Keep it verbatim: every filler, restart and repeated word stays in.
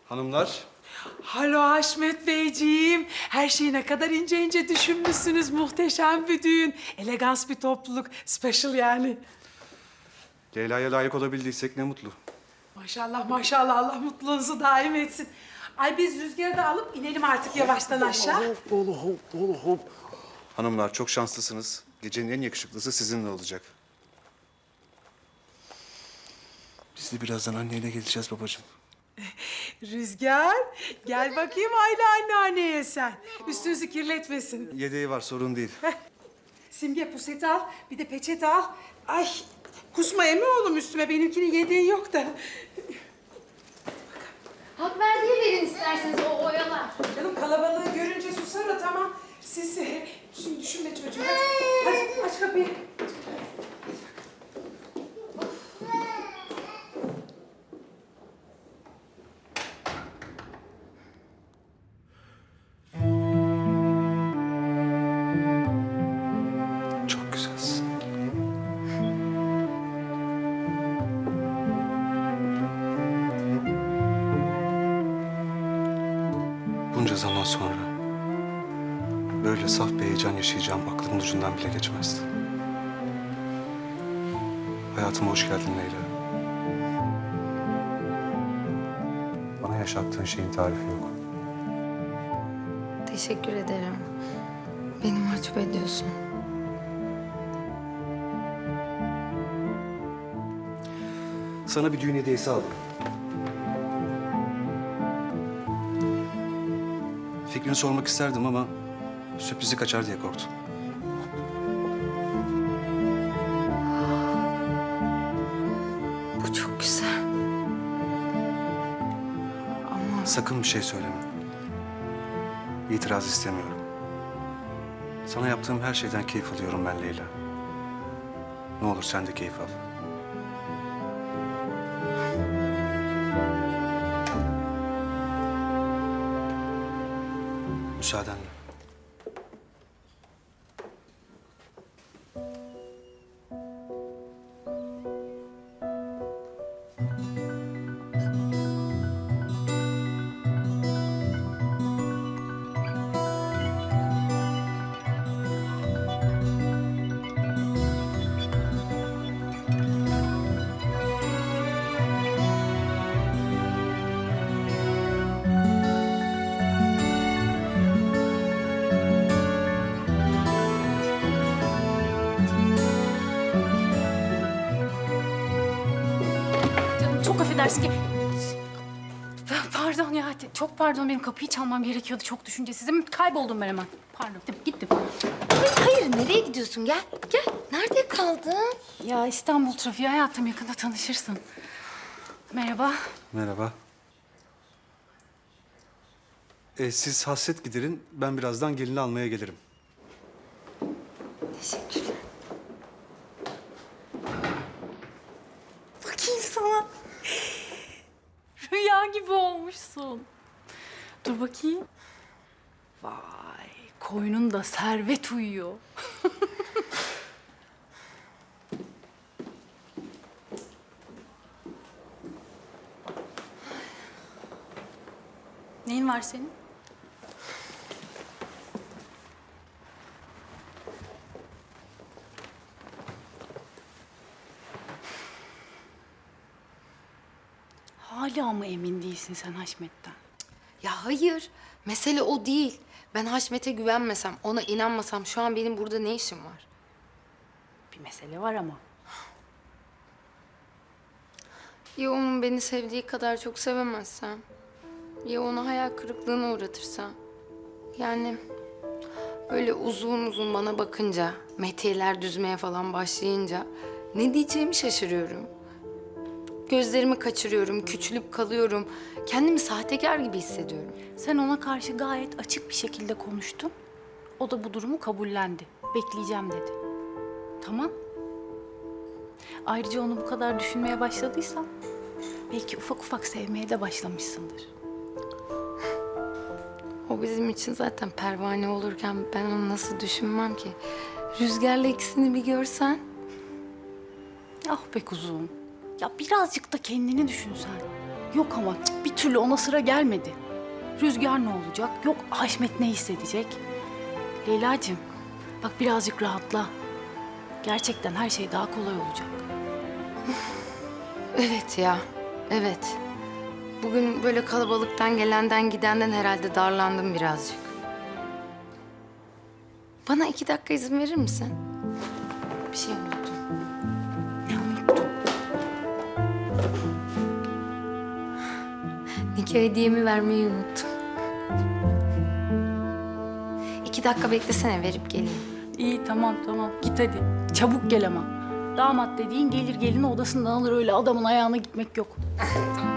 Hanımlar, Halo Haşmet Beyciğim. Her şeyi ne kadar ince ince düşünmüşsünüz. Muhteşem bir düğün. Elegans bir topluluk. Special yani. Leyla'ya layık olabildiysek ne mutlu. Maşallah maşallah, Allah mutluluğunuzu daim etsin. Ay biz Rüzgar'ı da alıp inelim artık yavaştan aşağı. Hanımlar çok şanslısınız. Gecenin en yakışıklısı sizinle olacak. Biz de birazdan anneyle geleceğiz babacığım. Rüzgar gel bakayım Ayla anneanneye sen. Üstünüzü kirletmesin. Yedeği var, sorun değil. Simge puseti al, bir de peçete al. Ay kusma emi oğlum üstüme, benimkinin yedeği yok da. Hak verdiği verin isterseniz o oyalar. Canım kalabalığı görünce susar o, tamam. Siz e, şimdi düşünme çocuğum. Hadi, hadi aç kapıyı. Çok güzelsin. Bunca zaman sonra böyle saf bir heyecan yaşayacağım aklımın ucundan bile geçmezdi. Hayatıma hoş geldin Leyla. Bana yaşattığın şeyin tarifi yok. Teşekkür ederim. Beni mahcup ediyorsun. Sana bir düğün hediyesi aldım. Fikrini sormak isterdim ama sürprizi kaçar diye korktum. Bu çok güzel. Ama Sakın bir şey söyleme. İtiraz istemiyorum. Sana yaptığım her şeyden keyif alıyorum ben Leyla. Ne olur sen de keyif al. Müsaadenle. Canım çok affedersin ki... Pardon ya, çok pardon. Benim kapıyı çalmam gerekiyordu. Çok düşüncesizim. Kayboldum ben hemen. Pardon, gittim. gittim. hayır, nereye gidiyorsun? Gel, gel. Nerede kaldın? Ya İstanbul trafiği hayatım, yakında tanışırsın. Merhaba. Merhaba. Ee, siz hasret giderin. Ben birazdan gelini almaya gelirim. Teşekkürler. Bakayım sana. Rüya gibi olmuşsun. Dur bakayım. Vay, koynunda servet uyuyor. Neyin var senin? Hala mı emin değilsin sen Haşmet'ten? Ya hayır, mesele o değil. Ben Haşmet'e güvenmesem, ona inanmasam şu an benim burada ne işim var? Bir mesele var ama. Ya onun beni sevdiği kadar çok sevemezsem? Ya onu hayal kırıklığına uğratırsam? Yani öyle uzun uzun bana bakınca, metiyeler düzmeye falan başlayınca ne diyeceğimi şaşırıyorum. Gözlerimi kaçırıyorum, küçülüp kalıyorum. Kendimi sahtekar gibi hissediyorum. Sen ona karşı gayet açık bir şekilde konuştun. O da bu durumu kabullendi. Bekleyeceğim dedi. Tamam. Ayrıca onu bu kadar düşünmeye başladıysan... belki ufak ufak sevmeye de başlamışsındır. O bizim için zaten pervane olurken ben onu nasıl düşünmem ki? Rüzgar'la ikisini bir görsen. Ah be kuzum. Ya birazcık da kendini düşün sen. Yok ama cık, bir türlü ona sıra gelmedi. Rüzgar ne olacak? Yok Haşmet ne hissedecek? Leyla'cığım bak birazcık rahatla. Gerçekten her şey daha kolay olacak. Evet ya, evet. Bugün böyle kalabalıktan gelenden gidenden herhalde darlandım birazcık. Bana iki dakika izin verir misin? Bir şey unuttum. Ne unuttun? Nikah hediyemi vermeyi unuttum. İki dakika beklesene, verip geleyim. İyi tamam tamam git hadi. Çabuk gel ama. Damat dediğin gelir gelini odasından alır öyle adamın ayağına gitmek yok. Tamam.